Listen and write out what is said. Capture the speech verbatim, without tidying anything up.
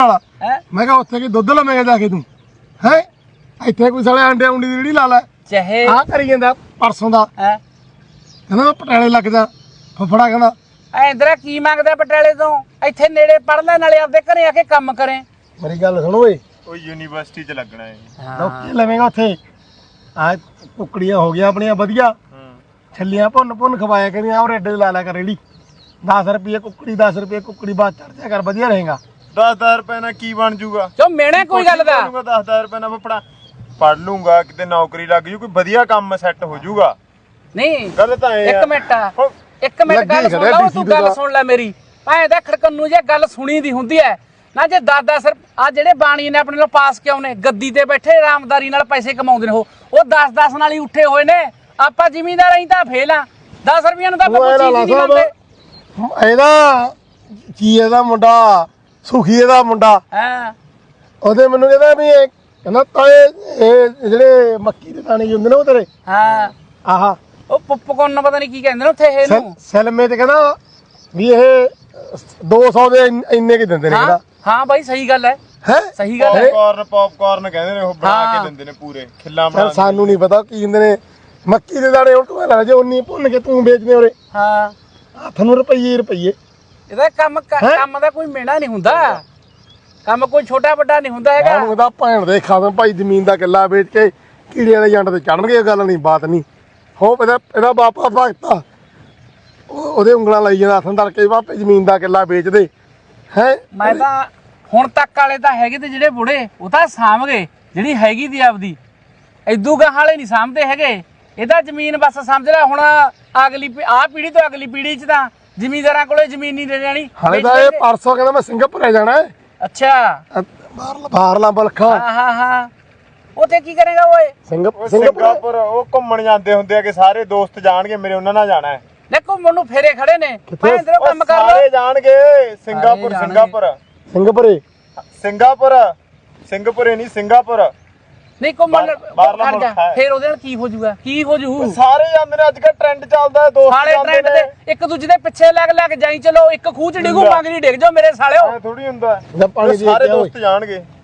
मैं क्या उत्थे की दुध लवेगा जाके तू है इत्थे कोई साले अंडे उंडी दी रेहड़ी ला लै चाहे आ करी जांदा परसों दा कहंदा मैं पटाले लग जा फफड़ा कहंदा इंदरा की मंगदा पटाले तो इत्थे नेड़े पढ़ ले नाले आपदे घरे आके काम करे मेरी गल सुन ओए ओ यूनिवर्सिटी च लगना है लोकी लवेगा उत्थे आ कुकड़ियां हो गईਆਂ ਆਪਣੀਆਂ ਵਧੀਆ ਛੱਲੀਆਂ ਭੁੰਨ ਭੁੰਨ ਖਵਾਇਆ ਕਰੀਆਂ ਔਰ ਐਡੇ ਲਾ ਲਿਆ ਕਰ ਰੇੜੀ दस रुपये कुकड़ी दस रुपये कुकड़ी बात चढ़ जाया कर बढ़िया रहेगा दस दस रुपए ना की बन जूगा चो मेने कोई गल दा दस दस रुपए ना फपड़ा पढ़ लूंगा किते नौकरी लग जू कोई बढ़िया काम सेट हो जूगा नहीं गल तां एक मिनट एक मिनट गल सुन ला तू गल सुन ले मेरी भाए दा खड़कन्नू जे गल सुनी दी हुंदी है ना जे दस दस आ जेड़े बाणी ने अपने लो पास क्यों ने गद्दी ते बैठे आरामदारी नाल पैसे कमाउंदे ने ओ दस दस नाल ही उठे होए ने आपां जिमींदार अहीं तां फेल आ दस रुपया ਨੂੰ ਤਾਂ ਆਪਾਂ ਕੋਈ ਚੀਜ਼ ਨਹੀਂ ਮੰਨਦੇ ਇਹਦਾ ਕੀ ਇਹਦਾ ਮੁੰਡਾ ਸੁਖੀ ਇਹਦਾ ਮੁੰਡਾ ਹਾਂ ਉਹਦੇ ਮੈਨੂੰ ਕਹਿੰਦਾ ਵੀ ਇਹ ਕਹਿੰਦਾ ਤਾਏ ਇਹ ਜਿਹੜੇ ਮੱਕੀ ਦੇ ਦਾਣੇ ਹੁੰਦੇ ਨੇ ਉਹ ਤੇਰੇ ਹਾਂ ਆਹਾ ਉਹ ਪੁੱਪਕੌਰਨ ਨੂੰ ਪਤਾ ਨਹੀਂ ਕੀ ਕਹਿੰਦੇ ਨੇ ਉੱਥੇ ਇਹਨੂੰ ਸੈਲਮੇ ਤੇ ਕਹਿੰਦਾ ਵੀ ਇਹ ਦੋ ਸੌ ਦੇ ਇੰਨੇ ਕੀ ਦਿੰਦੇ ਨੇ ਕਹਿੰਦਾ ਹਾਂ ਬਾਈ ਸਹੀ ਗੱਲ ਹੈ ਹੈ ਸਹੀ ਗੱਲ ਹੈ ਪੌਪਕਾਰਨ ਪੌਪਕਾਰਨ ਕਹਿੰਦੇ ਨੇ ਉਹ ਬਣਾ ਕੇ ਦਿੰਦੇ ਨੇ ਪੂਰੇ ਖਿੱਲਾ ਬਣਾ ਸਾਨੂੰ ਨਹੀਂ ਪਤਾ ਕੀ ਦਿੰਦੇ ਨੇ ਮੱਕੀ ਦੇ ਦਾਣੇ ਉਹ ਤੋਂ ਲੈ ਜੇ ਉਨੀ ਭੁੰਨ ਕੇ ਤੂੰ ਵੇਚਦੇ ਉਰੇ ਹਾਂ ਹੱਥ ਨੂੰ ਰੁਪਈਏ ਰੁਪਈਏ ਇਹਦਾ ਕੰਮ ਕੰਮ ਦਾ ਕੋਈ ਮੇਣਾ ਨਹੀਂ ਹੁੰਦਾ ਕੰਮ ਕੋਈ ਛੋਟਾ ਵੱਡਾ ਨਹੀਂ ਹੁੰਦਾ ਹੈਗਾ ਉਹਨੂੰ ਇਹਦਾ ਭੈਣ ਦੇ ਖਾਵੇਂ ਭਾਈ ਜ਼ਮੀਨ ਦਾ ਕਿੱਲਾ ਵੇਚ ਕੇ ਕੀੜਿਆਂ ਦੇ ਜੰਡ ਤੇ ਚੜਨਗੇ ਗੱਲ ਨਹੀਂ ਬਾਤ ਨਹੀਂ ਹੋ ਇਹਦਾ ਇਹਦਾ ਬਾਪਾ ਭਗਤਾ ਉਹਦੇ ਉਂਗਲਾਂ ਲਾਈ ਜਾਂਦਾ ਹੱਥਾਂ ਧਰ ਕੇ ਬਾਪੇ ਜ਼ਮੀਨ ਦਾ ਕਿੱਲਾ ਵੇਚਦੇ ਹੈ ਮੈਂ ਤਾਂ ਹੁਣ ਤੱਕ ਵਾਲੇ ਤਾਂ ਹੈਗੇ ਤੇ ਜਿਹੜੇ ਬੁੜੇ ਉਹ ਤਾਂ ਸਾਂਭ ਗਏ ਜਿਹੜੀ ਹੈਗੀ ਦੀ ਆਪਦੀ ਇਦੂ ਗਾਹ ਵਾਲੇ ਨਹੀਂ ਸਾਂਭਦੇ ਹੈਗੇ ਇਹਦਾ ਜ਼ਮੀਨ ਬਸ ਸਮਝ ਲੈ ਹੁਣ ਅਗਲੀ ਆਹ ਪੀੜ੍ਹੀ ਤੋਂ ਅਗਲੀ ਪੀੜ੍ਹੀ 'ਚ ਤਾਂ ਜ਼ਿਮੀਂਦਾਰਾਂ ਕੋਲੇ ਜ਼ਮੀਨ ਨਹੀਂ ਦੇ ਜਾਣੀ ਹਾਲੇ ਤਾਂ ਇਹ ਪਰਸੋਂ ਕਹਿੰਦਾ ਮੈਂ ਸਿੰਗਾਪੁਰ ਆ ਜਾਣਾ ਅੱਛਾ ਬਾਹਰਲਾ ਬਾਹਰਲਾ ਬਲਖਾ ਹਾਂ ਹਾਂ ਹਾਂ ਉੱਥੇ ਕੀ ਕਰੇਗਾ ਓਏ ਸਿੰਗਾਪੁਰ ਸਿੰਗਾਪੁਰ ਉਹ ਘੁੰਮਣ ਜਾਂਦੇ ਹੁੰਦੇ ਆ ਕਿ ਸਾਰੇ ਦੋਸਤ ਜਾਣਗੇ ਮੇਰੇ ਉਹਨਾਂ ਨਾਲ ਜਾਣਾ ਹੈ ਦੇਖੋ ਮੈਨੂੰ ਫੇਰੇ ਖੜੇ ਨੇ ਭਾਂ ਇਧਰੋਂ ਕੰਮ ਕਰ ਲਓ ਸਾਰੇ ਜਾਣਗੇ ਸਿੰਗਾਪੁਰ ਸਿੰਗਾਪੁਰ ਸਿੰਗਾਪੁਰੇ ਸਿੰਗਾਪੁਰ ਸਿੰਗਾਪੁਰੇ ਨਹੀਂ ਸਿੰਗਾਪੁਰ ਨਹੀਂ ਘੁੰਮਣ ਬਾਹਰਲਾ ਖੜ ਜਾ ਮੁਲਕ ਹੈ। ਫੇਰ ਉਹਦੇ ਨਾਲ ਕੀ ਹੋ ਜਾਊਗਾ ਕੀ ਹੋ ਜੂ ਸਾਰੇ ਜਾਂਦੇ ਨੇ ਅੱਜ ਕੱਲ ਟ੍ਰੈਂਡ ਚੱਲਦਾ ਦੋਸਤ ਸਾਲੇ ਟ੍ਰੈਂਡ ਤੇ ਇੱਕ ਦੂਜੇ ਦੇ ਪਿੱਛੇ ਲੱਗ ਲੱਗ ਜਾਈ ਚਲੋ ਇੱਕ ਖੂਹ ਚ ਡਿੱਗੂ ਮੰਗਰੀ ਡਿੱਗ ਜਾਓ ਮੇਰੇ ਸਾਲਿਓ ਥੋੜੀ ਹੁੰਦਾ ਪਾਣੀ ਦੇ ਸਾਰੇ ਦੋਸਤ ਜਾਣਗੇ